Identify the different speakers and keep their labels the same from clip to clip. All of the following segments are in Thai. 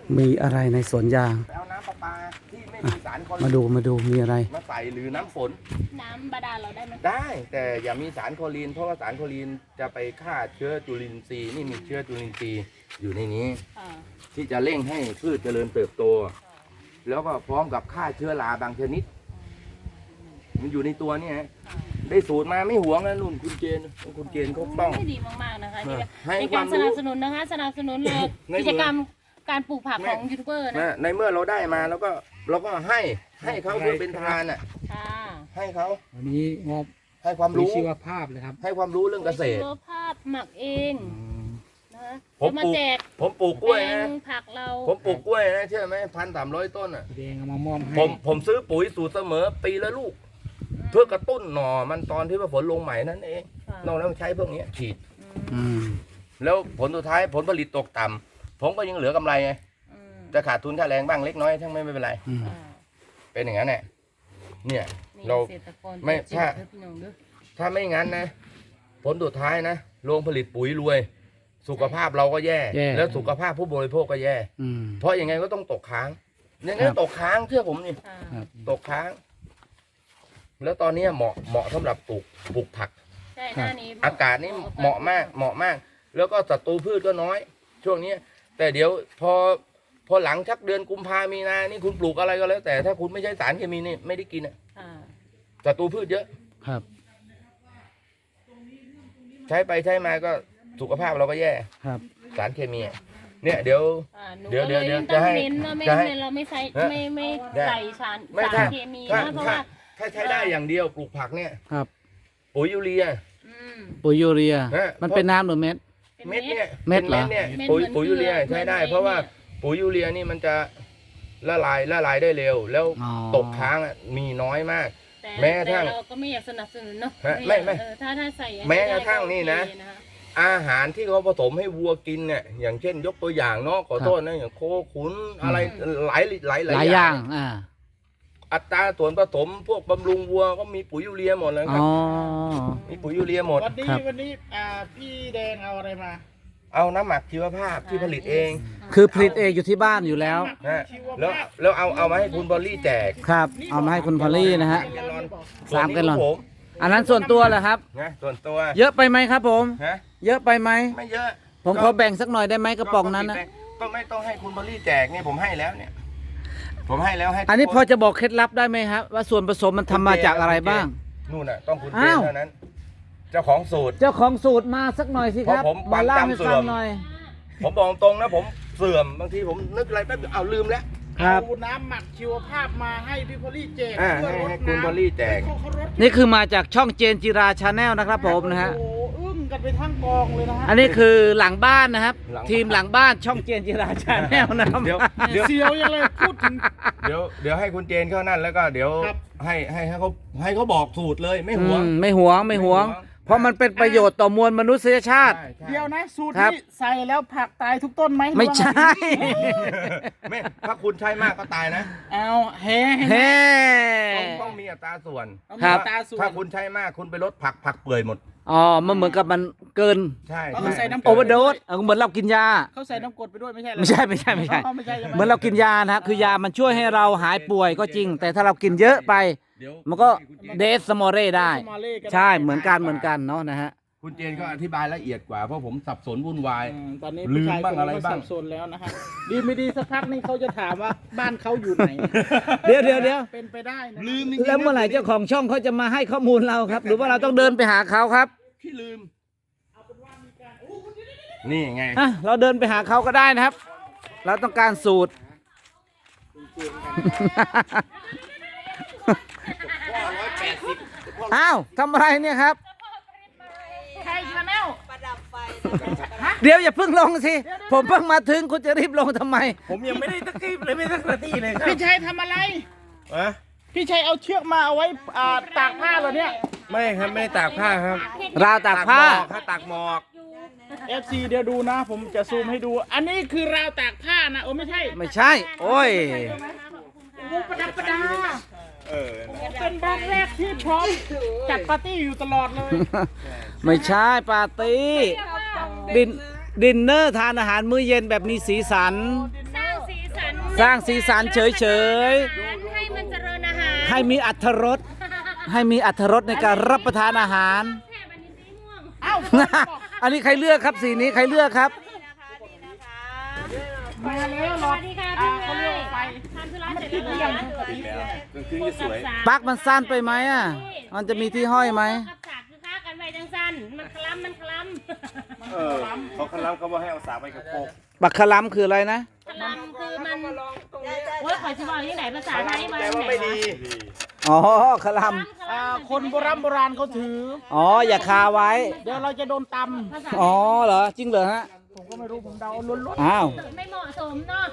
Speaker 1: มีอะไรในสวนยาง
Speaker 2: ไปเอาน้ำประปาที่ไม่มีสารคลอรีน
Speaker 1: มาดูมีอะไร
Speaker 2: มาใส่หรือน้ำฝน
Speaker 3: น้ำบาดาลเราได้ไหม
Speaker 2: ได้แต่อย่ามีสารคลอรีนเพราะว่าสารคลอรีนจะไปฆ่าเชื้อจุลินทรีย์นี่มีเชื้อจุลินทรีย์อยู่ในนี้ที่จะเร่งให้พืชเจริญเติบโตแล้วก็พร้อมกับฆ่าเชื้อราบางชนิดมันอยู่ในตัวนี่ฮะได้สูตรมาไม่หวงนะนุ่นคุณเจนเขาต้อง
Speaker 3: ดีมากๆนะคะ
Speaker 2: ให้
Speaker 3: ในการสนับสนุนนะคะสนับสนุนเลยกิจกรรมการปลูกผักของยูทูบเบอร์นะ
Speaker 2: ในเมื่อเราได้มาเราก็ให้เขาเพื่อเป็นทานอ่ะให้เขา
Speaker 1: อันนี้งบ
Speaker 2: ให้ความรู้
Speaker 1: ชีวภาพเลยครับ
Speaker 2: ให้ความรู้เรื่องเกษตร
Speaker 3: ชีวภาพหมักเองนะ
Speaker 2: ผมปลูกกล้วยนะ
Speaker 3: ผักเรา
Speaker 2: ผมปลูกกล้วยนะเชื่อไหม1,300 ต้นอ่ะ
Speaker 1: แดงเอามามอบให้
Speaker 2: ผมซื้อปุ๋ยสูตรเสมอปีละลูกเพื่อกระตุ้นหน่อมันตอนที่ว่าฝนลงใหม่นั่นเองนอกนั้นใช้พวกนี้ฉีดแล้วผลสุดท้ายผลผลิตตกต่ำผมก็ยังเหลือกำไรไงจะขาดทุนค่าแรงบ้างเล็กน้อยทั้งไม่เป็นไรเป็นอย่างนั้นแหละเนี่ยเราไม่ถ้าไม่งั้นนะผลสุดท้ายนะโรงผลิตปุ๋ยรวยสุขภาพเราก็แย่แล้วสุขภาพผู้บริโภคก็แย่เพราะยังไงก็ต้องตกค้างยังไงตกค้างเชื่อผมนี่ตกค้างแล้วตอนนี้เหมาะสำหรับปลูกผักอากาศนี่เหมาะมากแล้วก็ศัตรูพืชก็น้อยช่วงนี้แต่เดี๋ยวพอหลังชักเดือนกุมภามีนานี่คุณปลูกอะไรก็แล้วแต่ถ้าคุณไม่ใช้สารเคมีนี่ไม่ได้กินอ่ะศัตรูพืชเยอะ
Speaker 1: ครับ
Speaker 2: ใช้ไปใช้มาก็สุขภาพเราก็แย่
Speaker 1: ครับ
Speaker 2: สารเคมีเนี่ยเดี๋ยวจะให้
Speaker 3: เราไม่ใส่ไม่ใส่สารเคมีนะเพราะว่า
Speaker 2: ถ้าใช้ได้อย่างเดียวปลูกผักเนี่ย
Speaker 1: ครับ
Speaker 2: ปุ๋ยยูเรีย
Speaker 1: มันเป็นน้ำหรือเม็ด
Speaker 2: เนี่ย
Speaker 1: เม็ดเหรอ
Speaker 2: เนี่ยปุ๋ยยูเรียใช้ได้เพราะว่าปุ๋ยยูเรียนี่มันจะละลายได้เร็วแล้วตกค้างมีน้อยมากแม้กระทั่ง
Speaker 3: เราก็ไม่อยากสนับสนุนเนาะ
Speaker 2: ไม่
Speaker 3: ถ้าใส่
Speaker 2: แม้กระทั่งนี่นะอาหารที่เขาผสมให้วัวกินเนี่ยอย่างเช่นยกตัวอย่างเนาะขอโทษนะอย่างโคขุนอะไรหลาย
Speaker 1: อย่าง
Speaker 2: อัตราส่วนผสมพวกบำรุงวัวก็มีปุ๋ยยูเรียหมดเลยครับมีปุ๋ยยูเรียหมด
Speaker 4: วันนี้พี่แดงเอาอะไรมา
Speaker 2: เอาน้ำหมักชีวภาพที่ผลิตเอง
Speaker 1: คือผลิตเองอยู่ที่บ้านอยู่แล้ว
Speaker 2: แล้วเอามาให้คุณบอลลี่แจก
Speaker 1: ครับเอามาให้คุณพอลลี่นะฮะ3 แกลลอนอันนั้นส่วนตัวเหรอครับ
Speaker 2: ส่วนตัว
Speaker 1: เยอะไปไหมครับผมเยอะไปไหม
Speaker 2: ไม่เยอะ
Speaker 1: ผมขอแบ่งสักหน่อยได้ไหมกระป๋องนั้นนะ
Speaker 2: ก็ไม่ต้องให้คุณบอลลี่แจกเนี่ยผมให้แล้วเนี่ยผมให้แล้วให้
Speaker 1: อันนี้พอจะบอกเคล็ดลับได้ไหมครับว่าส่วนผสมมันทำมาจากอะไรบ้าง
Speaker 2: นู่นน่ะต้องคุณเจนเท่านั้นเจ้าของสูตร
Speaker 1: มาสักหน่อยสิครับ
Speaker 2: มาเล่าให้ฟังหน่อยผมบอกตรงนะผมเสื่อมบางทีผมนึกอะไรแป๊บเอาลืมแล้ว
Speaker 4: เอาน้ำหมักชีวภาพมาให้พี่พอลลี่แจก
Speaker 2: ให้คุณพอลลี่แจก
Speaker 1: นี่คือมาจากช่องเจนจิราชาแนลนะครับผมนะฮะ
Speaker 4: อึ้งกันไปทั้งกองเลยนะฮะ
Speaker 1: อันนี้คือหลังบ้านนะครับทีมหลังบ้านช่องเจนจิราชาแนลนะครับ
Speaker 4: เดี๋ยวเสียวยังเลยพูดถึง
Speaker 2: เดี๋ยวให้คุณเจนเข้านั่นแล้วก็เดี๋ยวให้เขาบอกสูตรเลยไม่หวงเพราะมันเป็นประโยชน์ต่อมวลมนุษยชาติ
Speaker 4: เดี๋ยวนะสูตรนี้ใส่แล้วผักตายทุกต้นไหม
Speaker 1: ไม่ใช่
Speaker 2: ไม่ถ้าคุณใช้มากก็ตายนะ
Speaker 4: เอา
Speaker 2: ต้องมีอัตราส่วน
Speaker 1: ครับ
Speaker 2: ถ้าคุณใช้มากคุณไปลดผักเปื่อยหมด
Speaker 1: มันเหมือนกับมันเกิน
Speaker 2: ใช่
Speaker 4: เขาใส่น้ำ
Speaker 1: โอเวอร์โดสเหมือนเรากินยา
Speaker 4: เขาใส่น้ำกรดไปด้วยไม่ใช่
Speaker 1: เหมือนเรากินยานะคือยามันช่วยให้เราหายป่วยก็จริงแต่ถ้าเรากินเยอะไปมันก็เดสมอเร่ได้ใช่เหมือนกันเนาะนะฮะ
Speaker 2: คุณเจนเขาอธิบายละเอียดกว่าเพราะผมสับสนวุ่นวาย
Speaker 4: ตอนนี้ลืมบ้างอะไรบ้างสับสนแล้วนะฮะดีไม่ดีสักพักนี่เขาจะถามว่าบ้านเขาอยู่ไหน
Speaker 1: เดี๋ยว
Speaker 4: เป็นไปได้นะ
Speaker 2: ลืม
Speaker 1: แล้วเมื่อไหร่เจ้าของช่องเขาจะมาให้ข้อมูลเราครับหรือว่าเราต้องเดินไปหาเขาครับ
Speaker 2: พี่ลืมนี่ไง
Speaker 1: เราเดินไปหาเขาก็ได้นะครับเราต้องการสูตรอ้าวทำอะไรเนี่ยครับ
Speaker 4: ใครชาแนล
Speaker 3: ประดับไฟ
Speaker 1: เดี๋ยวอย่าเพิ่งลงสิผมเพิ่งมาถึงคุณจะรีบลงทำไม
Speaker 2: ผมยังไม่ได้ตะกี้เลยไม่ได้นาทีเลยครับ
Speaker 4: พี่ชัยทำอะไรพี่ชัยเอาเชือกมาเอาไว้ตากผ้าเหรอเนี่ย
Speaker 2: ไม่ครับไม่ตากผ้าครับ
Speaker 1: ราวตากผ้า
Speaker 2: ตากหมอก
Speaker 4: FC เดี๋ยวดูนะผมจะซูมให้ดูอันนี้คือราวตากผ้านะไม่ใช่
Speaker 1: โอ้ย
Speaker 4: ประดับประดาเป็นบ้านแรกที่พร้อมจัดปาร์ตี้อยู่ตลอดเลย
Speaker 1: ไม่ใช่ปาร์ตี้ดินเนอร์ทานอาหารมื้อเย็นแบบมีสีสัน
Speaker 3: สร้างสี
Speaker 1: สร้างสีสันเฉย
Speaker 3: ให้มันเจริญอาหาร
Speaker 1: ๆให้มีอรรถรสให้มีอรรถรสในการรับประทานอาหาร
Speaker 3: แค่บันนี้สีม่วง
Speaker 4: เอ้า
Speaker 1: อันนี้ใครเลือกครับสีนี้ใครเลือกครับ
Speaker 4: มาแล้ว
Speaker 3: ส
Speaker 4: รอ
Speaker 3: วัสดีค่ะพี่
Speaker 4: เขา
Speaker 3: เล
Speaker 4: เรียก
Speaker 3: ย
Speaker 4: ว่าไฟ
Speaker 3: ทำธุระเสร็จแล้วเหรอ
Speaker 5: คือจะสวย
Speaker 1: ปลั๊กมันสั้นไปไหมอ่ะ มันจะมีที่ห้อยไหม
Speaker 3: กับฉากคือค่ากันไว้จังสั้นมันคล้ำมันคล้ำ
Speaker 5: เออเขาคันล้ำเขาบอกให้เอาสากไปกับโคก
Speaker 1: บักคลัมคืออะไรนะ
Speaker 3: คล้ำคือมันโอ้ยขอชิบอกที่ไหนภาษาไทยมา
Speaker 5: แต่ว่าไม่ดี
Speaker 1: อ๋อคลัม
Speaker 4: คนโบราณเขาถือ
Speaker 1: อ๋ออย่าคาไว้
Speaker 4: เดี๋ยวเราจะโดนต
Speaker 3: ภาษา
Speaker 1: อ๋อเหรอจริงเหรอฮะ
Speaker 4: ำผมก็ไม่รู้ผมเดาล้วน
Speaker 1: อ้าว
Speaker 3: ไม่เหมาะสมเนาะ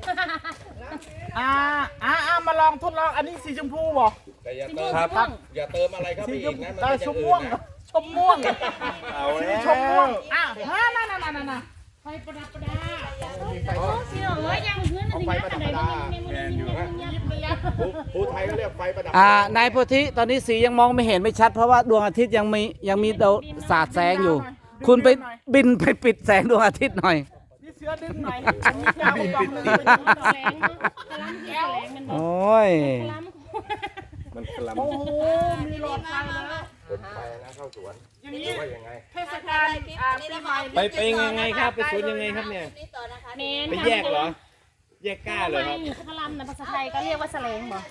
Speaker 4: ๆมาลองทดลองอันนี้สีชมพูบ่
Speaker 2: แต่อย่า
Speaker 3: สี
Speaker 2: เติ
Speaker 3: ม่ว
Speaker 2: ม
Speaker 3: งสีม่วง
Speaker 2: อย่าเติมอะไรเข้าไป
Speaker 4: สีช
Speaker 2: อี
Speaker 4: ม
Speaker 2: กนะ
Speaker 4: พู
Speaker 2: มัน
Speaker 4: ช
Speaker 2: จะ
Speaker 4: มม่วง
Speaker 2: อื่นนะ
Speaker 4: ชมม่วง
Speaker 5: เอา
Speaker 4: สี
Speaker 5: แล้ว
Speaker 4: ชมม่วงนั่นไฟประดับประดา
Speaker 3: โอ้สีเหลืองยังพื้นมันถึงยักษ์อะไรบ้างยังยิบเลยยักษ์
Speaker 2: ภูไทยก็เรียกไฟประดับ
Speaker 1: นายโพธิตอนนี้สียังมองไม่เห็นไม่ชัด เพราะว่าดวงอาทิตย์ยังมีดาวสาดแสงอยู่ คุณไปบินไปปิดแสงดวงอาทิตย์หน่อย
Speaker 4: นี่เสือดึงหน่อยอันนี้ยาวกว่าดอกหนึงไปดูหน่อย
Speaker 3: แรงเนาะคล้ำคือแรงมัน
Speaker 1: โอ
Speaker 3: เนาะ
Speaker 1: ้ย
Speaker 3: คล้ำ
Speaker 5: มันคลำ
Speaker 4: โอ้โหมีหลอดไฟแล้ว
Speaker 2: เปิดไฟนะเข้าสวน
Speaker 4: อย่างนี้
Speaker 2: ว่ายังไง
Speaker 4: เทศกาลปีใหม่
Speaker 5: ไปยังไงครับไปสวนยังไงครับเนี่ย
Speaker 3: เมน
Speaker 5: ไปแยกเหรอ แยกก้าเลยครับ
Speaker 3: คล้ำนะภาษาไทยก็เรียกว่าแสลงบ่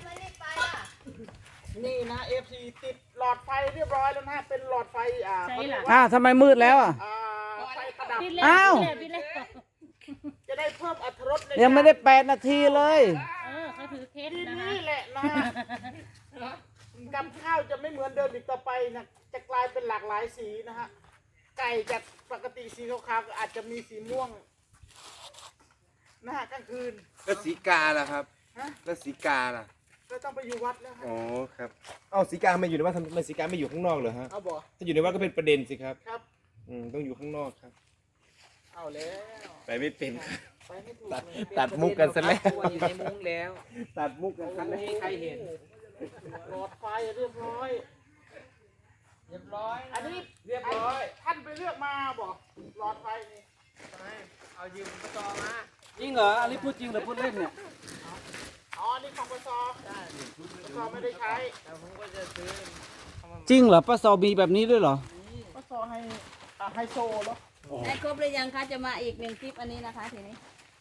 Speaker 4: นี่นะ FC ติดหลอดไฟเรียบร้อยแล้วนะเป็นหลอดไฟ
Speaker 3: ใช่ห
Speaker 4: เขาเรี
Speaker 3: ลั
Speaker 4: ย
Speaker 3: ง
Speaker 4: กว่า
Speaker 1: ทำไมมืดแล้วอ่ะ
Speaker 4: ไฟประดับ
Speaker 3: ปิดเลย
Speaker 1: อ้าว
Speaker 3: ปิดเลย
Speaker 4: จะได้เพิ่มอรรถรสใน
Speaker 1: ยังไม่ได้8 นาทีเลย
Speaker 3: เขาถือเคส
Speaker 4: ที
Speaker 3: นะคะ
Speaker 4: นี่แหละนะกับข้าวจะไม่เหมือนเดิมอีกต่อไปนะจะกลายเป็นหลากหลายสีนะฮะไก่จากปกติสีขาวๆก็อาจจะมีสีม่วงนะฮะกลางคืน
Speaker 5: แล้วสีกาล่ะครับ
Speaker 4: ฮะ
Speaker 5: แล้วสีกาล่ะ
Speaker 4: ก็ต้องไปอยู่วัดแล้วฮะ
Speaker 5: อ๋อครับเอ้าสีกาไม่อยู่ในวัดทำไมสีกาไม่อยู่ข้างนอกเหรอฮะ
Speaker 4: เอาบ่
Speaker 5: ถ้าอยู่ในวัดก็เป็นประเด็นสิครับ
Speaker 4: ครับ
Speaker 5: ต้องอยู่ข้างนอกครับ
Speaker 4: เอาแล้ว
Speaker 5: ไปไม่เป็นครับ
Speaker 4: ไปไม่ถูก
Speaker 5: ตัด
Speaker 4: เลย
Speaker 5: ตัดมุกกันซะแล้ว
Speaker 6: อยู่ในมุ้งแล้ว
Speaker 5: ตัดมุกกันซะแล้ว
Speaker 6: ใครเห็น
Speaker 4: หลอดไฟเรียบร้อย
Speaker 6: เรียบร้อย
Speaker 4: อันนี้
Speaker 6: เรียบร้อย
Speaker 4: ท่านไปเลือกมาบอกหลอดไฟนี่
Speaker 6: เอายืมกระจอมา
Speaker 1: จริงเหรอ อันนี้พูดจริงหรือพูดเล่นเนี่ย
Speaker 4: อ๋อนี่ของปสปสไม่ได้ใช้
Speaker 6: แต่ผมก็จะซื้อ
Speaker 1: จริงเหรอป้าซอมีแบบนี้ด้วยเหรอ
Speaker 4: ปสให้ไฮโซเหรอ
Speaker 7: ได้ครบหรือยังคะจะมาอีกหนึ่งคลิปอันนี้นะคะทีนี้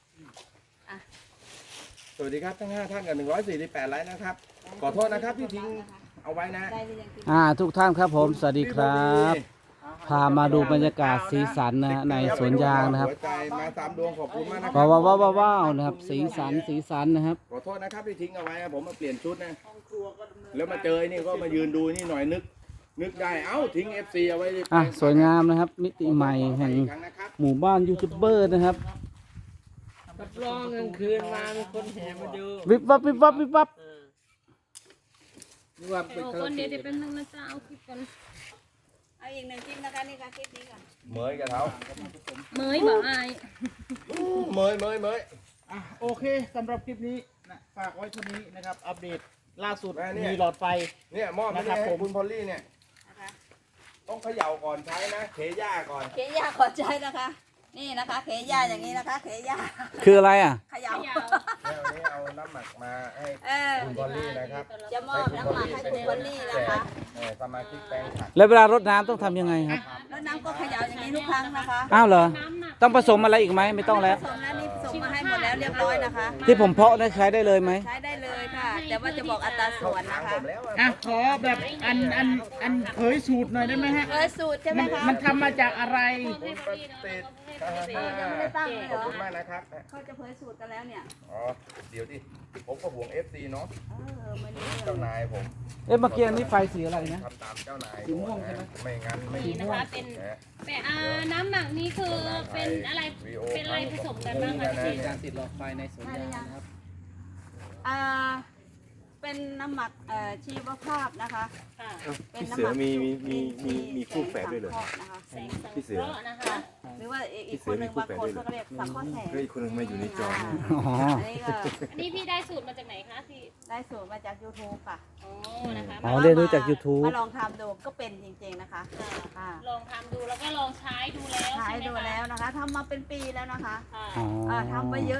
Speaker 5: สวัสดีครับทั้ง5ท่านกับ148ไลค์นะครับ ขอโทษนะครับที่ทิ้งเอาไว้นะ
Speaker 7: ได้หรือยังคลิป
Speaker 1: ทุกท่านครับผม สวัสดีครับ พามาดูบรรยากาศสีสันนะฮะในสวนยางนะครับ
Speaker 5: หัวใจมา3 ดวงขอบคุณมากนะค
Speaker 1: ว้า
Speaker 5: รั
Speaker 1: วนะครับ สีสันนะครับ
Speaker 5: ขอโทษนะครับที่ทิ้งเอาไว้นะผมมาเปลี่ยนชุดนะ
Speaker 4: ห้องครัวก็ดำเนิน
Speaker 5: แล้วมาเจอไอ้นี่ก็มายืนดูนี่หน่อยนึกได้เอ้าทิ้ง FC เอาไว้
Speaker 1: สวยงามนะครับ มิติใหม่แห่ง
Speaker 5: อีกครั้งนะครับ
Speaker 1: หมู่บ้านยูทูบเบอร์นะครับ
Speaker 6: รับรองกลางคืนมามีคนแห่มาดู
Speaker 1: วิบวับวิบวับวิบวับ
Speaker 6: ดูว่าเป็น
Speaker 3: โอ้คนเดี๋ยวเป็นนึงนะจ๊ะเอาคลิปกัน
Speaker 7: เอาอีกหนึ่งคลิปนะคะนี่ค่ะคลิปนี้ค่ะ
Speaker 2: เหมยกับเท้า
Speaker 3: เมยบอกอาย
Speaker 2: เหมย
Speaker 4: โอเคสำหรับคลิปนี้นะฝากไว้เท่านี้นะครับ อัปเดตล่าสุด
Speaker 2: แม่เนี่ย
Speaker 4: มีหลอดไฟ
Speaker 2: เนี่ยมอบไม่
Speaker 4: นะครั
Speaker 2: ได้
Speaker 4: บ
Speaker 2: ให้
Speaker 4: ผม
Speaker 2: คุณพอลลี่เนี่ย
Speaker 7: นะคะ
Speaker 2: ต้องเขย่าก่อนใช้นะเขย่าก่อน
Speaker 7: เขย่าขอใจนะคะ นี่นะคะ เขย่าอย่างนี้นะคะ เขย่า
Speaker 1: คืออะไรอ่ะ
Speaker 7: เขย่า
Speaker 3: ยาว
Speaker 2: แล้ววันนี้เอาน้ำหมักมาให้
Speaker 7: เออ
Speaker 2: คุณพอลลี่นะครับ
Speaker 7: จะมอบน้ำหมักให้คุณพอลลี่นะคะ
Speaker 2: สมาชิกแปลงผัก
Speaker 1: แล้วเวลารดน้ำต้องทำยังไงครับ
Speaker 7: แล้วน้ำก็เขย่าอย่างนี้ทุกครั้งนะคะ
Speaker 1: อ้าวเหรอ
Speaker 3: น้ำหนัก
Speaker 1: ต้องผสมอะไรอีกไหมไม่ต้องแล้ว
Speaker 7: ผสมแล้วนี่ผสมมาให้หมดแล้วเรียบร้อยนะคะ
Speaker 1: ที่ผมเพาะได้ใช้ได้เลยไหม
Speaker 7: ใช้ได้เลยค่ะ แต่ว่าจะบอกอัตราส่วน
Speaker 2: ทาง
Speaker 7: นะคะ
Speaker 2: ผมแล้วอะ
Speaker 4: อ่ะขอแบบอันเผยสูตรหน่อยได้ไหมฮะ
Speaker 7: เออสูตรใช่ไหมคะ
Speaker 4: มันทำมาจากอะไร
Speaker 3: ให้พอดีเนาะ
Speaker 2: ติด
Speaker 7: ยังไม่ได้ตั้งเลยเห
Speaker 2: ข
Speaker 7: ร
Speaker 2: อบ
Speaker 7: อ
Speaker 2: คุณมากนะครับ
Speaker 7: เขาจะเผยสูตรกันแล้วเนี่ย
Speaker 2: อ๋อ เดี๋ยวดิ ผมก็ห่วง FC เนาะ
Speaker 7: ไม่รู้
Speaker 2: เจ้านายผม
Speaker 1: เอ๊ะเมื่อกี้อันนี้ไฟสีอะไรนะ
Speaker 2: ทำตามเจ้านาย
Speaker 1: สีม่วงใช่ไหม
Speaker 2: ไม่งั้นไม่
Speaker 3: นี่นะคะเป็น
Speaker 2: นะ
Speaker 3: แต่น้ำหนักนี้คือเป็นอะไรเป็นอะไรผสมกันบ้างคะพี่
Speaker 1: การติดหลอดไฟในสวนยางนะครับ
Speaker 7: อ่าเป็นน้ำหมักชีวภาพนะคะ
Speaker 3: ค่ะ
Speaker 7: เป็น
Speaker 5: พี่
Speaker 7: น้ำ
Speaker 5: เสื
Speaker 7: ห
Speaker 5: อ
Speaker 7: มัก
Speaker 5: มีคู่แฝดด้วยเหรอ
Speaker 7: นะคะ
Speaker 3: แสงสัง
Speaker 5: พี่
Speaker 3: เค
Speaker 5: เสือ
Speaker 3: ราะห์นะคะ
Speaker 7: หรือว่าอีกคนหนึ่งบางคนก็เรียกสังเคราะห์แสง
Speaker 5: ก็อีกคนนึงมาอยู่ในจอเนี่ย
Speaker 1: อ๋อ
Speaker 7: อันนี้ก็
Speaker 3: อันนี้พี่ได้สูตรมาจากไหนคะพี่
Speaker 7: ได้สูตรมาจาก YouTube ค่ะ
Speaker 3: อ๋อนะคะ
Speaker 1: อ๋อเรียนรู้จาก YouTube
Speaker 7: มาลองทำดูก็เป็นจริงๆนะคะค่ะ
Speaker 3: ลองทำดูแล้วก็ลองใช้ดูแล้ว
Speaker 7: ใช้
Speaker 3: ใช่ไหม
Speaker 7: ดู
Speaker 3: คะ
Speaker 7: แล้วนะคะทำมาเป็นปีแล้วนะคะ
Speaker 3: ค่ะ
Speaker 1: อ๋อ
Speaker 7: ทำไปเยอะด้วยนะคะ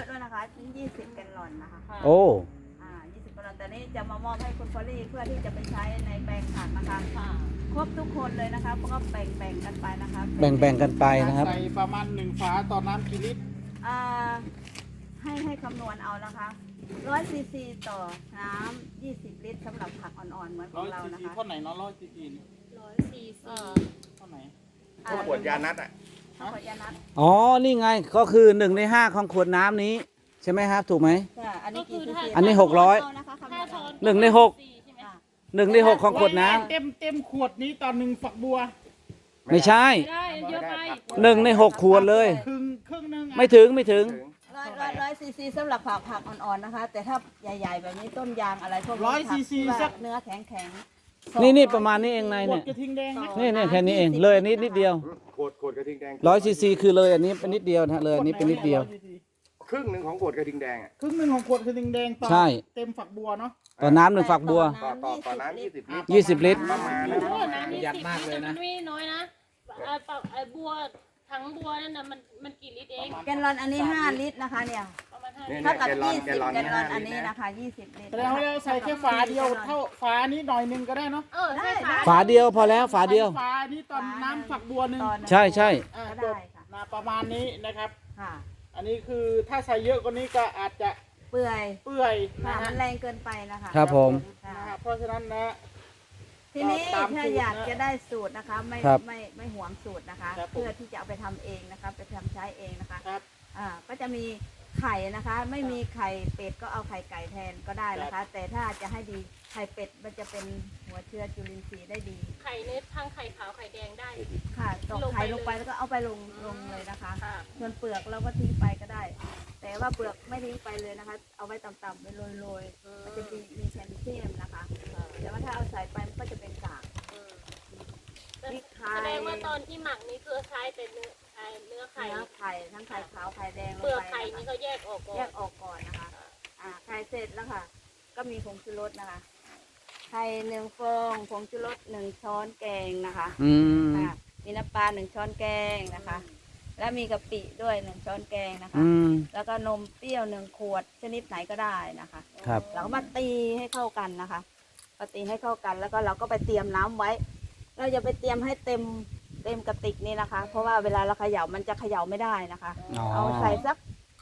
Speaker 7: ถึง20 แกลลอนนะคะ
Speaker 1: โอ้
Speaker 7: 20 แกลลอนแต่นี่จะมามอบให้คุณพอลลี่เพื่อที่จะไปใช้ในแปลงผักนะคะ
Speaker 3: ค่ะ
Speaker 7: ครบทุกคนเลยนะคะเพราะก็แบ่งกันไปนะคะ
Speaker 1: แบ่งกันไปนะครับ
Speaker 4: ใส่ประมาณ1 ฝาต่อน้ำกี่ลิตร
Speaker 7: อ่าให้คำนวณเอานะคะ100 ซีซีต่อน้ำ20 ลิตรสำหรับผักอ่อนๆเหมือนของเรา
Speaker 4: 100
Speaker 7: นะ
Speaker 4: ซี
Speaker 7: คะ
Speaker 4: เท่าไหนเนาะ100 ซีซี
Speaker 3: 100 cc
Speaker 4: เท่าไหน
Speaker 5: ก็ขวดยานัดอ่ะ
Speaker 7: ขวดยานัด
Speaker 1: อ๋อ นี่ไง ก็คือ1 ใน 5ของขวดน้ำนี้ ใช่ไหมครับ ถูกไหม
Speaker 7: ค่ะอันนี้กี่ซีซี
Speaker 1: อันนี้600
Speaker 7: เอานะคะคำนวณ
Speaker 3: 5 ช้อน
Speaker 1: หนึ่งในหก
Speaker 3: ใช่ไหม
Speaker 7: ค่ะ
Speaker 1: 1 ใน 6ของขวดน้ำ
Speaker 4: เต็มขวดนี้ต่อ1 ฝักบัว
Speaker 1: ไม่ใช่
Speaker 3: ไม่ได้เยอะไป
Speaker 1: 1 ใน 6 ขวดเลย
Speaker 4: ครึ่งนึงอะ
Speaker 1: ไม่ถึง
Speaker 7: ร้อยซีซีสำหรับผักอ่อนๆนะคะ แต่ถ้าใหญ่ๆแบบนี้ต้นยางอะไรพวกนี้
Speaker 4: 100 ซีซี
Speaker 7: ผัก
Speaker 4: สัก
Speaker 7: เนื้อแข็ง
Speaker 1: นี่ประมาณนี้เองนาย
Speaker 4: ขว
Speaker 1: เนี่
Speaker 4: ด
Speaker 1: ย
Speaker 4: กระทิงแดงไหม
Speaker 1: นี่แค่นี้เอง เลยอันนี้นิดเดียว
Speaker 5: ขวดกระทิงแดง
Speaker 1: 100 ซีซีคือเลยอันนี้เป็นนิดเดียวนะฮะเลยอันนี้เป็นนิดเดียว
Speaker 5: ครึ่งหนึ่งของขวดกระทิงแดงอ่ะ
Speaker 4: ครึ่งหนึ่งของขวดกระทิงแดงต่อ
Speaker 1: ใช่
Speaker 4: เต็มฝักบัวเนาะ
Speaker 1: ต่อน้ำ1 ฝักบัว
Speaker 5: ต่อน้ำ20 ลิตร
Speaker 1: 20 ลิตร
Speaker 5: ประมาณนั้น
Speaker 3: โอ้น้ำนี่10 ลิตรแต่มันไม่น้อยนะไอ้บัวถังบัวนั่นน่ะมันกี่ลิตรเอง
Speaker 7: ๆแกลลอนอันนี้5 ลิตรนะคะเนี่ย
Speaker 3: ประมาณ
Speaker 5: เนี่ย
Speaker 7: เท่ากับ
Speaker 5: แกลลอน
Speaker 7: 20
Speaker 5: แกลลอน
Speaker 7: แกลลอน
Speaker 5: 5
Speaker 7: อันนี้
Speaker 5: ลิตร
Speaker 7: นะคะ 20 ลิตร
Speaker 4: แสดงว่าเราใส่แค่ฝาเดียวเท่าฝานี้หน่อยนึงก็ได้เนาะ
Speaker 3: ใช่ค่ะ
Speaker 1: ฝาเดียวพอแล้วฝาเดียว
Speaker 4: ฝานี้ตอนน้ำฝักบัวหนึ่ง
Speaker 7: ตอนนั้น
Speaker 1: ใช่ใช่
Speaker 4: อ่า
Speaker 7: ก็
Speaker 4: จ
Speaker 7: ได้
Speaker 4: บ
Speaker 7: ค่ะ
Speaker 4: นะประมาณนี้นะครับ
Speaker 7: ค่ะ
Speaker 4: อันนี้คือถ้าใส่เยอะกว่านี้ก็อาจจะ
Speaker 7: เปื่อย
Speaker 4: เปื่อย
Speaker 7: ค่ะ
Speaker 4: นะ
Speaker 7: มั
Speaker 4: ฮะ
Speaker 7: นแรงเกินไปนะคะ
Speaker 1: ครับผม
Speaker 7: ค่ะ
Speaker 4: นะฮะเพราะฉะนั้นนะ
Speaker 7: ทีนี้
Speaker 4: ตามสูตร
Speaker 7: ถ้าอยากจะได้สูตรนะคะ
Speaker 1: ครับ
Speaker 7: ไม่หวงสูตรนะคะ
Speaker 4: ครับผม
Speaker 7: เพื่อที่จะเอาไปทำเองนะคะไปทำใช้เองนะคะ
Speaker 4: ครับ
Speaker 7: ก็จะมีไข่นะคะ ไม่มีไข่เป็ดก็เอาไข่ไก่แทนก็ได้นะคะ แต่ถ้าจะให้ดีไข่เป็ดมันจะเป็นหัวเชื้อจุลินทรีย์ได้ดี
Speaker 3: ไข่เนื้อทั้งไข่ขาวไข่แดงได้
Speaker 7: ค่ะตอก
Speaker 3: ลงไป
Speaker 7: ไข่ลงไป
Speaker 3: เลย
Speaker 7: แล้วก็เอาไปลงเลยนะคะ
Speaker 3: ค่ะ
Speaker 7: ส่วนเปลือกเราก็ทิ้งไปก็ได้ แต่ว่าเปลือกไม่ทิ้งไปเลยนะคะ เอาไว้ต่ำๆไปโรยๆมันจะมีแคลเซียมนะคะ แต่ว่าถ้าเอาใส่ไปมันก็จะเป็นกาก พริกไทย
Speaker 3: แสดงว่าตอนที่หมักนี่คือใช้แต่เนื้อไข่
Speaker 7: เนื้อไข่ทั้งไข่ขาวไข่แดงลง
Speaker 3: เปลือก
Speaker 7: ไป
Speaker 3: ไข่
Speaker 7: นะ
Speaker 3: นี่
Speaker 7: คะ
Speaker 3: เขาแยกออกก่อ
Speaker 7: แย
Speaker 3: น
Speaker 7: กออกก่อนนะคะไข่เสร็จแล้วค่ะ ก็มีผงชูรสนะคะ ไข่1 ฟองผงชูรส1 ช้อนแกงนะคะ
Speaker 1: อืม
Speaker 7: ค่ะมีน้ำปลา1 ช้อนแกงนะคะ แล้วมีกะปิด้วย1 ช้อนแกงนะคะ
Speaker 1: อืม
Speaker 7: แล้วก็นมเปรี้ยว1 ขวดชนิดไหนก็ได้นะคะ
Speaker 1: ครับ
Speaker 7: เราก็มาตีให้เข้ากันนะคะมาตีให้เข้ากันแล้วก็เราก็ไปเตรียมน้ำไว้ เราจะไปเตรียมให้เต็มกระติกนี่นะคะ เพราะว่าเวลาเราเขย่ามันจะเขย่าไม่ได้นะคะ
Speaker 1: อ๋อ
Speaker 7: เอาใส่สัก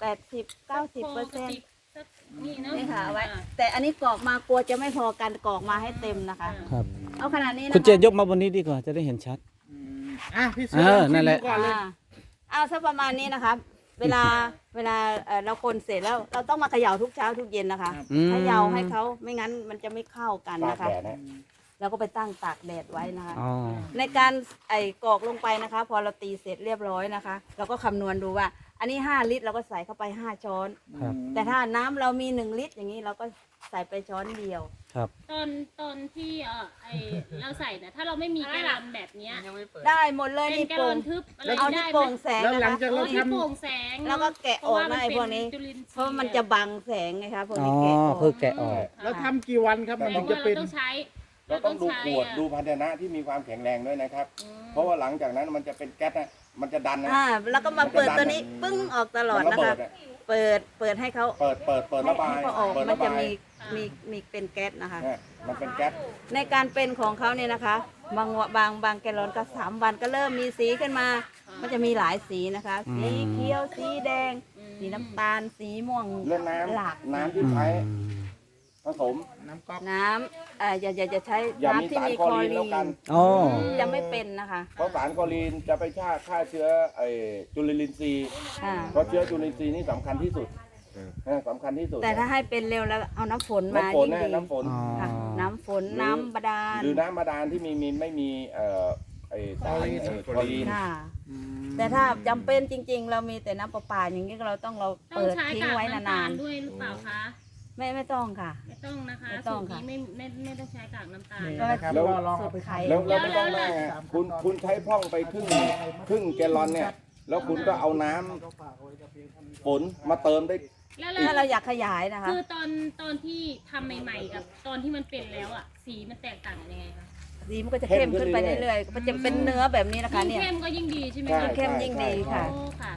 Speaker 7: 80-90%
Speaker 3: นี่เนาะ
Speaker 7: นี่ค่ะเอาไว้ แต่อันนี้กรอกมากลัวจะไม่พอกันกรอกมาให้เต็มนะคะ
Speaker 1: ครับ
Speaker 7: เอาขนาดนี้นะ
Speaker 1: คุณ
Speaker 7: คะ
Speaker 1: เจนยกมาบนนี้ดีกว่าจะได้เห็นชัด
Speaker 4: พี่เสือลองชิม
Speaker 1: นั่นแหละ
Speaker 4: ดูก่อนเลย
Speaker 7: เอาสักประมาณนี้นะคะ เวลาเราคนเสร็จแล้วเราต้องมาเขย่าทุกเช้าทุกเย็นนะคะ
Speaker 1: อืม
Speaker 7: เขย่าให้เขาไม่งั้นมันจะไม่เข้ากัน
Speaker 5: ตาก
Speaker 7: นะคะ
Speaker 5: แดดนะ
Speaker 7: เราก็ไปตั้งตากแดดไว้นะคะ
Speaker 1: อ๋อ
Speaker 7: ในการกรอกลงไปนะคะ พอเราตีเสร็จเรียบร้อยนะคะ เราก็คำนวณดูว่า อันนี้5 ลิตรเราก็ใส่เข้าไป5 ช้อน
Speaker 1: ครับ
Speaker 7: แต่ถ้าน้ำเรามี1 ลิตรอย่างนี้เราก็ใส่ไปช้อนเดียว
Speaker 1: ครับ
Speaker 3: ตอนที่เราใส่เนี่ยถ้าเราไม่มีแกลลอนแบบเนี้ย
Speaker 7: ได้หมดเลย
Speaker 3: เป็น
Speaker 7: นี่
Speaker 3: แกลล
Speaker 7: โป่
Speaker 3: อง นทึบอะไร
Speaker 7: เอาที่
Speaker 3: ได้ไหม
Speaker 7: โป่งแสง
Speaker 4: แล้ว
Speaker 7: นะ
Speaker 4: หลั
Speaker 7: คะ
Speaker 4: งจากเรา
Speaker 3: ที่โปร่งแสง
Speaker 7: แล้วก็แกะออกนะไอ้พวกนี้
Speaker 3: จุลิทรีย์
Speaker 7: เพราะมันจะบังแสงไงคะพวก
Speaker 1: อ๋อ
Speaker 7: นี้แกะออก
Speaker 1: คือแกะออก
Speaker 4: แล้วทำกี่วันครับมัน
Speaker 3: แต่
Speaker 4: ถึงจะ
Speaker 3: ว่า
Speaker 4: เป็น
Speaker 3: เราต้องใช้
Speaker 5: เราต้องดูขวด
Speaker 3: อะ
Speaker 5: ดูภาชนะที่มีความแข็งแรงด้วยนะครับ เพราะว่าหลังจากนั้นมันจะเป็นแก๊สนะมันจะดันนะ
Speaker 7: แล้วก็มาเปิดตัวนี้ปึ้งออกตลอด
Speaker 5: มันระ
Speaker 7: นะ
Speaker 5: เบิ
Speaker 7: คะ
Speaker 5: ดอะ
Speaker 7: เปิดให้เขา
Speaker 5: เปิดระบาย
Speaker 7: ให้เขาออก
Speaker 5: เปิด
Speaker 7: มัน
Speaker 5: ระ
Speaker 7: จะ
Speaker 5: บาย
Speaker 7: มีเป็นแก๊สนะคะ
Speaker 5: เนี่ยมันเป็นแก๊ส
Speaker 7: ในการเป็นของเขาเนี่ยนะคะ บางแกลลอนก็3 วันก็เริ่มมีสีขึ้นมา มันจะมีหลายสีนะคะ สีเขียวสีแดง สีน้ำตาลสีม่วง
Speaker 5: เรื่อง
Speaker 7: หลาก
Speaker 5: น้ำที่ใช้ผสม
Speaker 4: น้ำก๊อก
Speaker 7: น้ำอย่าใช้
Speaker 5: อย่ามี
Speaker 7: น้ำที่
Speaker 5: สาร
Speaker 7: มี
Speaker 5: ค
Speaker 7: ค
Speaker 5: ล
Speaker 7: ล
Speaker 5: อ
Speaker 7: อ
Speaker 5: รีน
Speaker 7: รี
Speaker 5: แล้วกัน
Speaker 7: น
Speaker 1: อ๋อ
Speaker 7: จะไม่เป็นนะคะ
Speaker 5: เพราะสารคลอรีนจะไปฆ่าเชื้อจุลินทรีย์
Speaker 7: อ่า
Speaker 5: เพราะเชื้อจุลินทรีย์นี่สำคัญที่สุดสำคัญที่สุด
Speaker 7: แต่ถ้าให้เป็นเร็วแล้วเอาน้ำฝนมา
Speaker 5: น้ำฝน
Speaker 7: ยิ่ง
Speaker 5: แน่
Speaker 7: ดี
Speaker 5: น้ำฝน
Speaker 1: อ๋อ
Speaker 7: ค่ะน้ำฝนน้ำบาดาล
Speaker 5: หรือน้ำบาดาลที่ไม่มีสารคลอรีน
Speaker 7: ค่ะ แต่ถ้าจำเป็นจริง ๆ เรามีแต่น้ำประปาอย่างนี้เราต้อง
Speaker 3: ต้อง
Speaker 7: เปิด
Speaker 3: ใช้
Speaker 7: ทิ้ง
Speaker 3: กาก
Speaker 7: ไว้
Speaker 3: น้ำ
Speaker 7: นา
Speaker 3: ตาล
Speaker 7: น
Speaker 3: ด้วยหรือเปล่าคะ
Speaker 7: ๆไม่ต้องค่ะ
Speaker 3: ไม่ต้องนะคะ
Speaker 7: ไม่ต้
Speaker 3: สู
Speaker 7: อง
Speaker 3: ตร
Speaker 7: ค่ะ
Speaker 3: นี้ไม่ต้องใช้กากน้ำตาล
Speaker 7: ก็
Speaker 4: นะครับ
Speaker 5: แล้ว
Speaker 4: ก็ลองเอาไป
Speaker 7: ไข่
Speaker 4: ทำ
Speaker 5: แล้วไม่ต้องแม่คุณใช้พร่องไปครึ่งแกลลอนเนี่ย แล้วคุณก็เอาน้ำฝนมาเติมได้
Speaker 3: แล้ว
Speaker 7: ถ้าเราอยากขยายนะคะ
Speaker 3: คือตอนที่ทำใหม่ๆกับตอนที่มันเป็นแล้วอ่ะสีมันแตกต่างกันยังไงคะ
Speaker 7: สีมันก็จะเข้มขึ้นไปเรื่อยๆมันจะเป็นเนื้อแบบนี้นะคะ
Speaker 3: ยิ่ง
Speaker 7: เนี่ย
Speaker 3: เข้มก็ยิ่งดีใช่ไหม
Speaker 5: ใช่
Speaker 3: คะ
Speaker 7: เข้มยิ่งดีค่ะ
Speaker 3: โอ้ค่ะ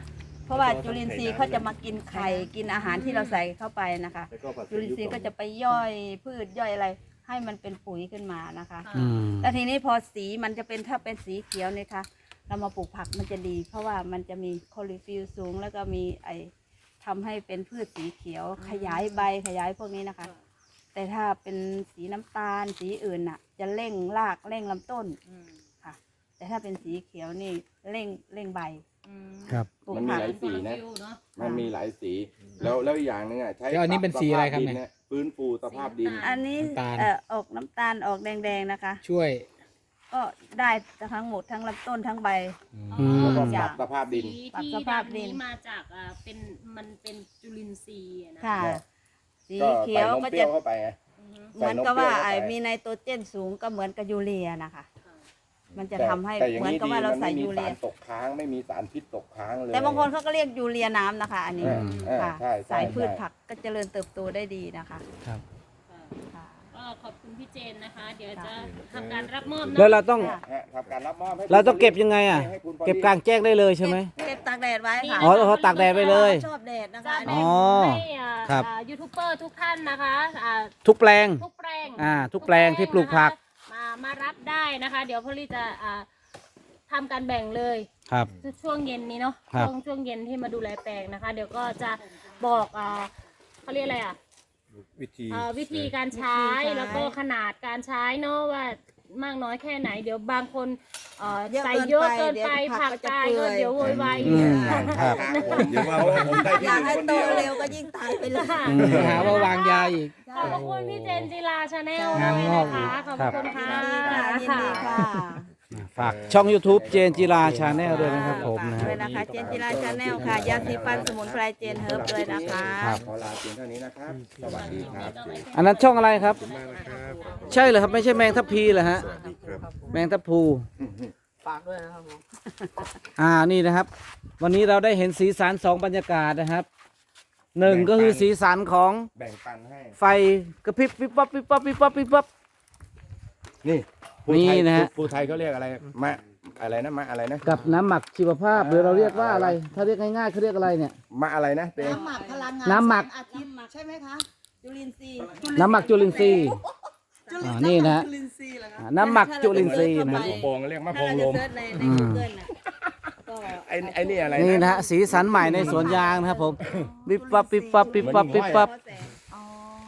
Speaker 7: เพราะว่าจุลินทรีย์เขาจะมากินไข่กินอาหารที่เราใส่เข้าไปนะคะ จุลินทรีย์ก็จะไปย่อยพืชย่อยอะไร ให้มันเป็นปุ๋ยขึ้นมานะคะ
Speaker 1: อืม
Speaker 7: แล้วทีนี้พอสีมันจะเป็นถ้าเป็นสีเขียวเนี่ยค่ะเรามาปลูกผักมันจะดี เพราะว่ามันจะมีคลอโรฟิลล์สูง แล้วก็มีทำให้เป็นพืชสีเขียว ขยายใบขยายพวกนี้นะคะ แต่ถ้าเป็นสีน้ำตาลสีอื่นน่ะ จะเร่งรากเร่งลำต้นค่ะ แต่ถ้าเป็นสีเขียวนี่เร่งใบ
Speaker 1: ครับ
Speaker 7: ปลูก
Speaker 5: มันมี
Speaker 7: ผัก
Speaker 5: หลายสีนะ
Speaker 3: เนาะ
Speaker 5: มันมีหลายสี แล้วอีกอย่างหนึงอ่ะใช้
Speaker 8: แล้วอันนี้เป็นสีอะไรครับเนี่ย
Speaker 5: ปสภาพดิฟื้นฟูสภาพดิน
Speaker 7: อันนี้
Speaker 8: น้ำตาล
Speaker 7: ออกน้ำตาลออกแดงๆนะคะ
Speaker 8: ช่วย
Speaker 7: ก็ได้ทั้งหมดทั้งลำต้นทั้งใบ
Speaker 1: อืม
Speaker 5: แล้วก็ป
Speaker 7: จา
Speaker 5: รั
Speaker 7: ก
Speaker 5: บสภาพดิน
Speaker 3: สี
Speaker 7: ปรับ
Speaker 3: ที่
Speaker 7: สภาพดิ
Speaker 3: ดำ
Speaker 7: น
Speaker 3: นี้มาจากมันเป็นจุลินทรีย์อะนะ
Speaker 7: ค่ะ
Speaker 5: เนี่ย
Speaker 7: สี
Speaker 5: ก็
Speaker 7: เขี
Speaker 5: ใส่
Speaker 7: ยวน
Speaker 5: ม
Speaker 7: ก็
Speaker 5: เปรี้
Speaker 7: จะ
Speaker 5: ยวเข้าไปไง
Speaker 7: เหมือนกับว่า
Speaker 5: ใส่นมเปรี้ยวเข้าไป
Speaker 7: มีไนโตรเจนสูงก็เหมือนกับยูเรียนะคะ มันจะทำให้
Speaker 5: แต่ย่ง
Speaker 7: เหมือนกับว่าเราใส่ยูเรีย
Speaker 5: มันไม่มีสารตกค้างไม่มีสารพิษตกค้างเลย
Speaker 7: แต่บางคนเขาก็เรียกยูเรียน้ำนะคะ อันนี้ ค่ะ
Speaker 5: ใช่
Speaker 7: สายพืช
Speaker 5: ใช่
Speaker 7: ผักก็เจริญเติบโตได้ดีนะคะ
Speaker 1: ครับ
Speaker 7: ค่ะ
Speaker 3: ก็ขอบคุณพี่เจนนะคะ เดี๋ยวจะทำการรับมอบ
Speaker 1: แล้ว
Speaker 3: เนาะ
Speaker 1: เราต้อง
Speaker 5: ฮะทำการรับมอบให้
Speaker 1: เราต้องเก็บยังไงอ่ะ
Speaker 5: ให้คุณพอดี
Speaker 1: เก็บกลางแจ้งได้เลยใช่ไหม
Speaker 7: เก็บตากแดดไว้ค่ะ
Speaker 1: อ๋อเขาตากแดดไปเลย
Speaker 7: ชอบแดดนะคะ
Speaker 3: จะ
Speaker 7: อัน
Speaker 3: แบ่
Speaker 7: นี้
Speaker 3: ง
Speaker 1: อ๋อ
Speaker 3: ให้
Speaker 1: ครับ
Speaker 3: ยูทูบเบอร์ทุกท่านนะคะ
Speaker 1: ทุกแปลง
Speaker 3: ทุกแปลง
Speaker 1: ทุกแปลงที่ปลูกผัก
Speaker 3: มารับได้นะคะ เดี๋ยวพอลี่จะทำการแบ่งเลย
Speaker 1: ครับ
Speaker 3: ช่วงเย็นนี้เนาะ
Speaker 1: ครับ
Speaker 3: ช่วงเย็นที่มาดูแลแปลงนะคะ เดี๋ยวก็จะบอกเขาเรียกอะไรวิธีการใช้แล้วก็ขนาดการใช้เนาะว่ามากน้อยแค่ไหน เดี๋ยวบางคนใส่เยอะเกินไปผักตายก็เดี๋ยวโวยวาย
Speaker 1: อืมครับ
Speaker 5: เดี๋ยวว่าผมได้
Speaker 7: อ
Speaker 5: ที่
Speaker 7: ยาก
Speaker 5: หนึ่
Speaker 7: ให้
Speaker 5: งคน
Speaker 7: โต
Speaker 5: เดียว
Speaker 7: เร็วก็ยิ่งตายไปเลย
Speaker 1: อืม
Speaker 8: หาว่าวางยาอีก
Speaker 3: ขอบพระคุณพี่เจนจิราชาแนล
Speaker 8: งาน
Speaker 3: ด้วย
Speaker 8: งอก
Speaker 3: นะคะขอบพระคุณค่ะ
Speaker 7: ยินดีค่ะ
Speaker 1: ฝากช่อง YouTube เจนจิราชาแนลด้วยนะครับผมนะ
Speaker 7: ฝาก
Speaker 1: ฮะ
Speaker 7: ด้วยนะคะ เจนจิราชาแนลค่ะ ยาสีฟันสมุนไพรเจนเฮิร์บเลยนะคะ
Speaker 1: ครับ
Speaker 5: ขอลาเพียงเท่านี้นะครับ สวัสดีครับ
Speaker 1: อันนั้นช่องอะไรครับ ใช่เหรอครับไม่ใช่แมงทับพีเหรอฮะแมงทับพลู
Speaker 6: ฝากด้วยนะครับผม
Speaker 1: นี่นะครับ วันนี้เราได้เห็นสีสันสองบรรยากาศนะครับหนึ่งก็คือสีสันของ
Speaker 5: แบ่งปันให้
Speaker 1: ไฟกระพริบวิบวับวิบวับวิบวับวิบวับ
Speaker 5: นี่ผู้
Speaker 1: นี่
Speaker 5: ไทย
Speaker 1: นะฮะ
Speaker 5: ผู้ไทยเขาเรียกอะไรมะอะไรนะมะอะไรนะ
Speaker 1: กับน้ำหมักชีวภาพหรือเราเรียกว่าอะไร ถ้าเรียกง่ายๆเขาเรียกอะไรเนี่ย
Speaker 5: มะอะไรนะเต้
Speaker 7: น้ำหมักพลังงาน
Speaker 1: น้ำหมัก
Speaker 7: อาทิตย์ใช่ไหมคะจุลินทรีย์
Speaker 1: น้ำหมักจุลินทรีย์นี่นะฮะ
Speaker 7: จุลินทรีย์เหรอคะ
Speaker 1: น้ำหมักจุลินทรีย์นะ
Speaker 5: ลูกโป่งเรียกมะโพ
Speaker 7: ถ้าง เรา
Speaker 5: ล
Speaker 7: จะ
Speaker 5: ม
Speaker 7: เซิร์ชใน Google น่ะก็
Speaker 5: ไอ้นี่อะไร
Speaker 1: นี่
Speaker 5: นะ
Speaker 1: นะฮะสีสันใหม่ในสวนยางนะครับผมวิบวับวิบวับวิบวับวิบวับ
Speaker 7: อ๋อ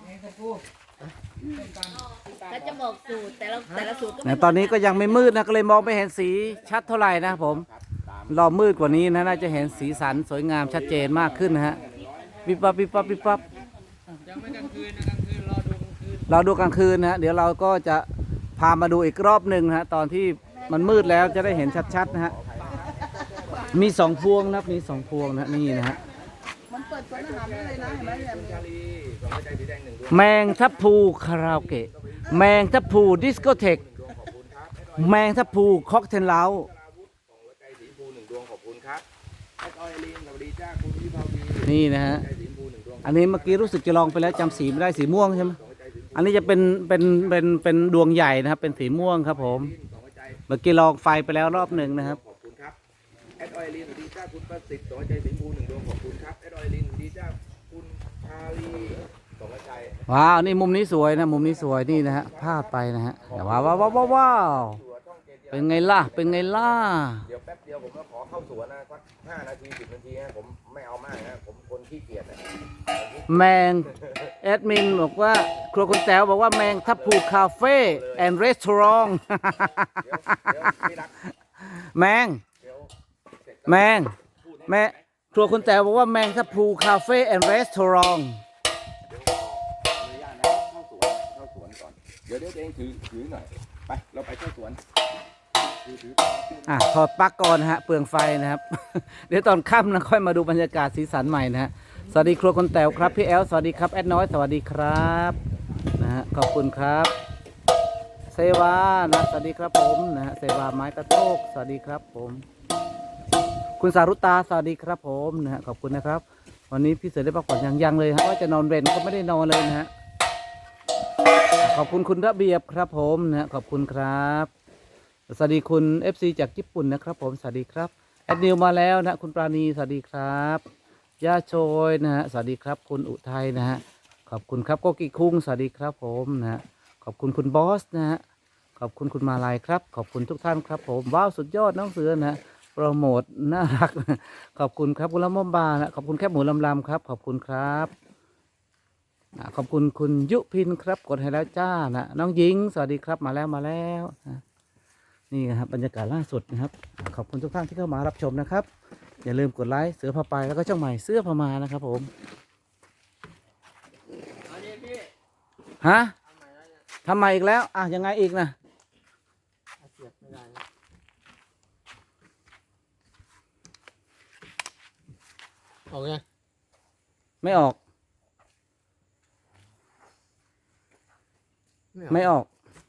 Speaker 7: แล้วจะบอกสูตรแต่ละสูตรก็
Speaker 1: แต่ตอนนี้ก็ยังไม่มืดนะก็เลยมองไม่เห็นสีชัดเท่าไหร่นะครับผมรอมืดกว่านี้นะน่าจะเห็นสีสันสวยงามชัดเจนมากขึ้นนะฮะวิบวับวิบวับวิบวับ
Speaker 8: ยังไม่กลางคืนนะกลางคืนรอดูกลางคืน
Speaker 1: เราดูกลางคืนนะฮะเดี๋ยวเราก็จะพามาดูอีกรอบหนึ่งนะฮะตอนที่มันมืดแล้วจะได้เห็นชัดๆนะฮะมีสองพวงนะครับมีสองพวงนะนี่นะฮะแมงทับพลูคาราโอเกะแมงทับพลูดิสโกเทกแมงทับพลูค็อกเทลเล้า
Speaker 5: ใจสีชมพูหนึ่งดวงขอบคุณครับแอดออยลีนสวัสดีจ้าคุณวิภาวี
Speaker 1: นี่นะฮะ
Speaker 5: ใจสีชมพูหนึ่งดวง
Speaker 1: อันนี้เมื่อกี้รู้สึกจะลองไปแล้วจำสีไม่ได้สีม่วงใช่ไหมอันนี้จะเป็นดวงใหญ่นะครับ เป็นสีม่วงครับผม
Speaker 5: สองใจ
Speaker 1: เมื่อกี้ลองไฟไปแล้วรอบหนึ่งนะครับ
Speaker 5: ขอบคุณครับแอดออยลีนสวัสดีจ้าคุณประสิทธิ์สองใจสีชมพูหนึ่งดวงขอบคุณครับแอดออยลีนสวัสดีจ้าคุณชาลีสองใจ
Speaker 1: ว้าวนี่มุมนี้สวยนะมุมนี้สวยนี่นะฮะพลาดไปนะฮะว้าวว้าวว้าวว้าวว้าวเป็นไงล่ะเป็นไงล่ะ
Speaker 5: เดี๋ยวแป๊บเดียวผมก็ขอเข้าสวนนะสัก5 นาที 10 นาทีนะผมไม่เอามากนะผมคนขี้เกียจนะ
Speaker 1: แมงแอดมินบอกว่าครัวคุณแต๋วบอกว่าแมงทับพลูคาเฟ่แอนด์รีสอร์ท
Speaker 5: เดี๋ยวพี่รัก
Speaker 1: แมง
Speaker 5: เดี๋ยวเสร็จ
Speaker 1: แมงแม่ครัวคุณแต๋วบอกว่าแมงทับพลูคาเฟ่แอนด์รีสอร์ท
Speaker 5: เดี๋ยวขออนุญาตนะเข้าสวนก่อนเดี๋ยวเองถือหน่อยไปเราไปเข้าสวนถือ
Speaker 1: ถอดปลั๊กก่อนนะฮะเปลืองไฟนะครับ เดี๋ยวตอนค่ำนะค่อยมาดูบรรยากาศสีสันใหม่นะฮะสวัสดีครัวคนแต๋วครับพี่แอลสวัสดีครับแอดน้อยสวัสดีครับนะฮะขอบคุณครับเซวานะสวัสดีครับผมนะฮะเซวาไม้กระโตกสวัสดีครับผม คุณสารุตาสวัสดีครับผมนะฮะขอบคุณนะครับ วันนี้พี่เสือได้พักผ่อนยังเลยฮะว่าจะนอนเรนก็ไม่ได้นอนเลยนะฮะขอบคุณคุณระเบียบครับผมนะฮะขอบคุณครับสวัสดีคุณ FC จากญี่ปุ่นนะครับผมสวัสดีครับแอดนิวมาแล้วนะคุณปราณีสวัสดีครับย่าโชยนะฮะสวัสดีครับคุณอุทัยนะฮะขอบคุณครับโกกิคุงสวัสดีครับผมนะฮะขอบคุณคุณบอสนะฮะขอบคุณคุณมาลัยครับขอบคุณทุกท่านครับผมว้าวสุดยอดน้องเสือนะฮะโปรโมทน่ารักขอบคุณครับคุณละม่อมบานะขอบคุณแคบหมูลำๆครับขอบคุณครับขอบคุณคุณยุพินครับกดให้แล้วจ้านะน้องหญิงสวัสดีครับมาแล้วนะนี่นะครับบรรยากาศล่าสุดนะครับขอบคุณทุกท่านที่เข้ามารับชมนะครับอย่าลืมกดไลค์เสือพาไปแล้วก็ช่องใหม่เสื้อพามานะครับผมฮะทำไมอีกแล้วอ่ะยังไงอีกนะ
Speaker 6: ออกไง
Speaker 1: ไม่ออกไม่ออก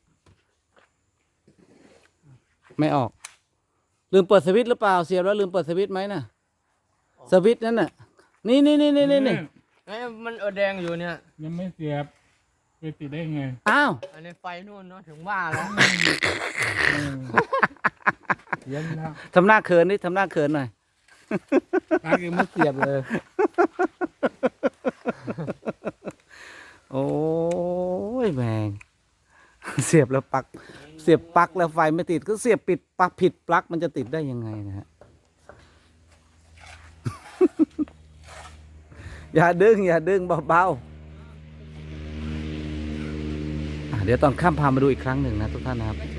Speaker 1: ไม่ออกลืมเปิดสวิตช์หรือเปล่าเสียบแล้วลืมเปิดสวิตช์ไหมน่ะสวิตช์นั่นน่ะนี่
Speaker 6: ไอ้มันแดงอยู่เนี่ย
Speaker 8: ยังไม่เสียบไปติดได้ไง
Speaker 1: อ้าว
Speaker 6: อันนี้ไฟนู่นเนาะถึงว่าแล้ว
Speaker 8: เย็นแล้ว
Speaker 1: ทำหน้าเขินนี่ทำหน้าเขินหน่อย
Speaker 8: ปากยังไม่เสียบเลย
Speaker 1: โอ้ยแมงเสียบแล้วปลั๊กเสียบปลั๊กแล้วไฟไม่ติดก็เสียบปิดปลั๊กผิดปลั๊กมันจะติดได้ยังไงนะฮะ อย่าดึงเบาๆเดี๋ยวตอนข้ามพามาดูอีกครั้งหนึ่งนะทุกท่านนะครับ